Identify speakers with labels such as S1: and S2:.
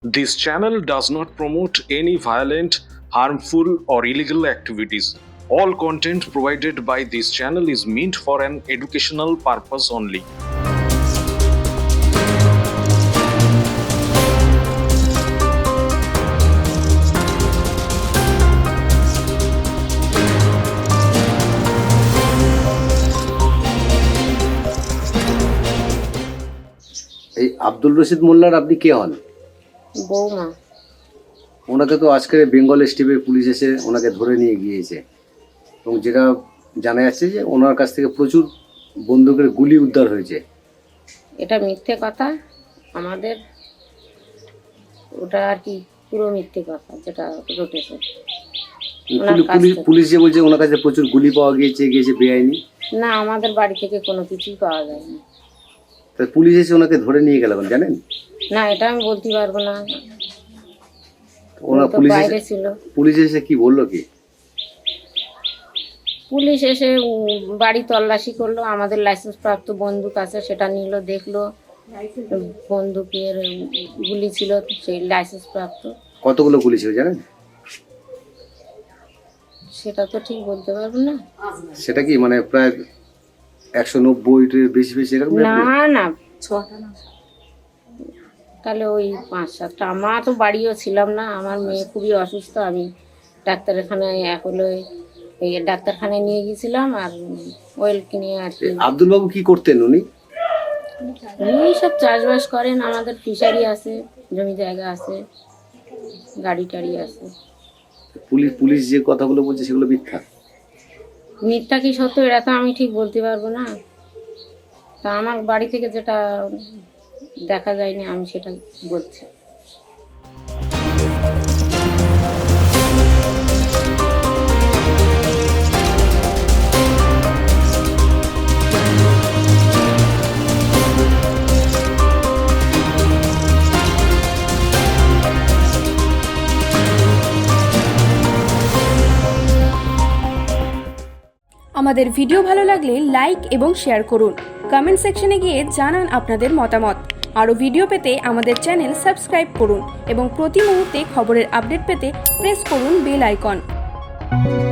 S1: This channel does not promote any violent, harmful, or illegal activities. All content provided by this channel is meant for an educational purpose only.
S2: এই আব্দুল রশিদ মোল্লার আপনি কে হন?
S3: বৌমা।
S2: ওনাকে তো আজকে বেঙ্গল স্টেটের পুলিশ এসে ওনাকে ধরে নিয়ে গিয়েছে এবং যেটা জানা যাচ্ছে যে ওনার কাছ থেকে প্রচুর বন্দুকের গুলি উদ্ধার হয়েছে।
S3: এটা মিথ্যে কথা, আমাদের ওটা আর কি পুরো মিথ্যে কথা যেটা ঘটেছে।
S2: পুলিশ যে বলছে ওনার কাছে প্রচুর গুলি পাওয়া গিয়েছে বেআইনি।
S3: না, আমাদের বাড়ি থেকে কোনো কিছুই পাওয়া যায়নি।
S2: তা পুলিশ এসে ওনাকে ধরে নিয়ে গেল জানেন?
S3: না, এটা আমি বলতে পারবো না।
S2: ওনা
S3: বাইরে ছিল।
S2: পুলিশ এসে কি বললো কি?
S3: পুলিশ এসে বাড়ি তল্লাশি করলো, আমাদের লাইসেন্স প্রাপ্ত বন্দুক আছে সেটা নিল, দেখলো বন্দুকের গুলি ছিল সেই লাইসেন্স প্রাপ্ত।
S2: কতগুলো গুলি ছিল জানেন?
S3: সেটা তো ঠিক বলতে পারবো না।
S2: সেটা কি মানে প্রায় 190 বেশি এরকম?
S3: না না, 6টা না, তাহলে ওই 5-7টা। আমার তো বাড়িও ছিলাম না, আমার মেয়ে খুবই অসুস্থ, আমি ডাক্তারখানায় নিয়ে গেছিলাম আর ওয়েল কিনে আর কি।
S2: আব্দুল বাবু কি করতেন উনি?
S3: উনি সব চাষবাস করেন, আমাদের ফিশারি আছে, জমি জায়গা আছে, গাড়ি টাড়ি আছে।
S2: পুলিশ যে কথাগুলো বলছে সেগুলো মিথ্যা?
S3: মিথ্যা কি সত্য এটা তো আমি ঠিক বলতে পারবো না। তা আমার বাড়ি থেকে যেটা দেখা যায়নি আমি সেটা বলছি।
S4: আমাদের ভিডিও ভালো লাগলে লাইক এবং শেয়ার করুন। কমেন্ট সেকশনে গিয়ে জানান আপনাদের মতামত। আরও ভিডিও পেতে আমাদের চ্যানেল সাবস্ক্রাইব করুন এবং প্রতি মুহূর্তে খবরের আপডেট পেতে প্রেস করুন বেল আইকন।